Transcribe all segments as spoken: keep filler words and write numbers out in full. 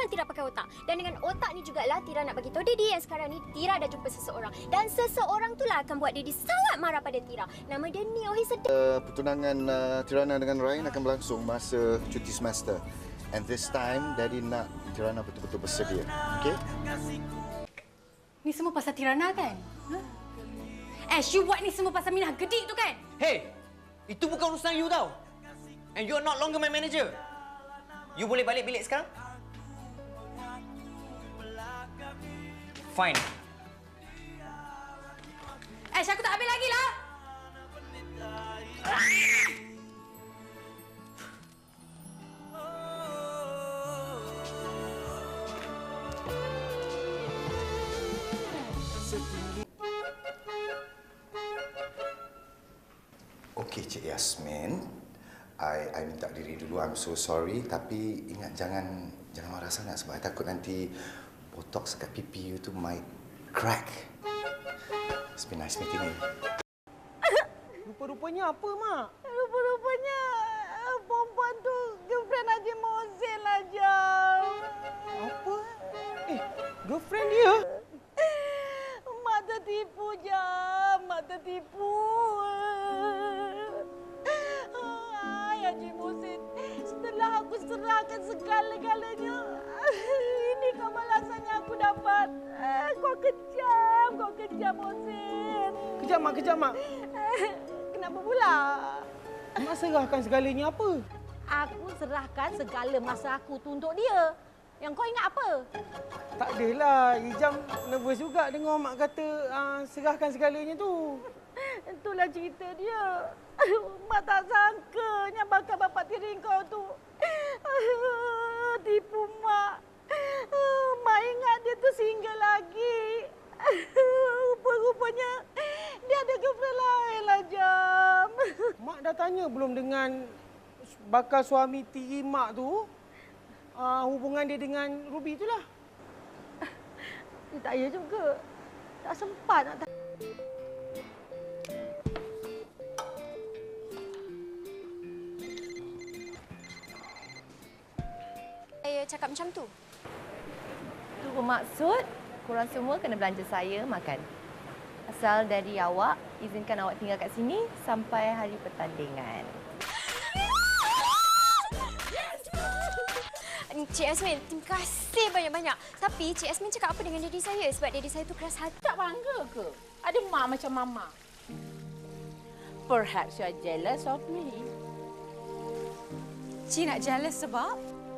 Tira pakai otak. Dan dengan otak ni jugalah Tira nak bagi tahu Daddy yang sekarang ni Tira dah jumpa seseorang. Dan seseorang itulah akan buat Daddy sangat marah pada Tira. Nama dia Neo Hisedek. Uh, pertunangan uh, Tirana dengan Ryan akan berlangsung masa cuti semester. And this time, Daddy nak Tirana betul-betul bersedia. Okay? Ni semua pasal Tirana kan? Huh? Ash, you buat ni semua pasal Minah gedik tu kan? Hey! Itu bukan urusan you tau. And you are not longer my manager. You boleh balik bilik sekarang? Fine. Ash, aku tak habis lagi lah! Okey, Cik Yasmin. I, I minta diri dulu. I'm so sorry. Tapi ingat jangan jangan marah sangat sebab I takut nanti botox kat pipi you tu might crack. It's been nice meeting you. Rupa-rupanya apa, Mak? Rupa-rupanya perempuan tu girlfriend Haji Mohsin lah, Jam. Apa? Eh, girlfriend dia? Mak tertipu, Jam. Mak tertipu. Hai, Haji Mohsin. Setelah aku serahkan segala-galanya, ini kau balasan yang aku dapat. Kau kejam, kau kejam, Mohsin. Kejap, Mak. Kejap, Mak. Kenapa pula? Mak serahkan segalanya apa? Aku serahkan segala masa aku tu untuk dia. Yang kau ingat apa? Tak adalah. Ijam nervous juga dengar Mak kata uh, serahkan segalanya tu. Itulah cerita dia. Mak tak sangkanya bakal bapak tiri kau tu tipu Mak. Mak ingat dia tu single lagi. Rupa-rupanya dia ada girlfriend lain lah, Jam. Mak dah tanya belum dengan bakal suami tiri Mak tu? Uh, hubungan dia dengan Ruby itulah. Tak ya juga. Tak sempat nak tanya. Saya cakap macam tu. Itu bermaksud korang semua kena belanja saya makan. Asal dari awak, izinkan awak tinggal kat sini sampai hari pertandingan. Cik Yasmin, terima kasih banyak-banyak. Tapi Cik Yasmin cakap apa dengan Daddy saya? Sebab Daddy saya tu keras hati. Tak bangga ke? Ada mak macam Mama. Perhaps you are jealous of me. Cik nak jealous sebab?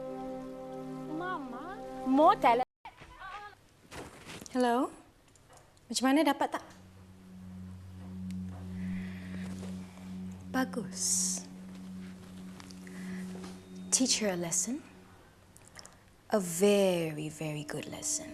Mama, more talent. Hello? Macam mana, dapat tak? Bagus. Teach her a lesson. A very, very good lesson.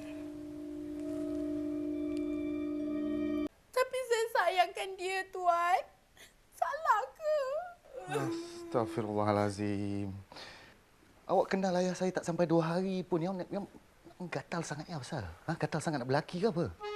Tapi saya sayangkan dia, Tuan. Salah ke? Astaghfirullahalazim. Awak kenal ayah saya tak sampai dua hari pun. Yang, yang gatal sangat ya, Pasal? Ha? Gatal sangat nak berlaki ke apa?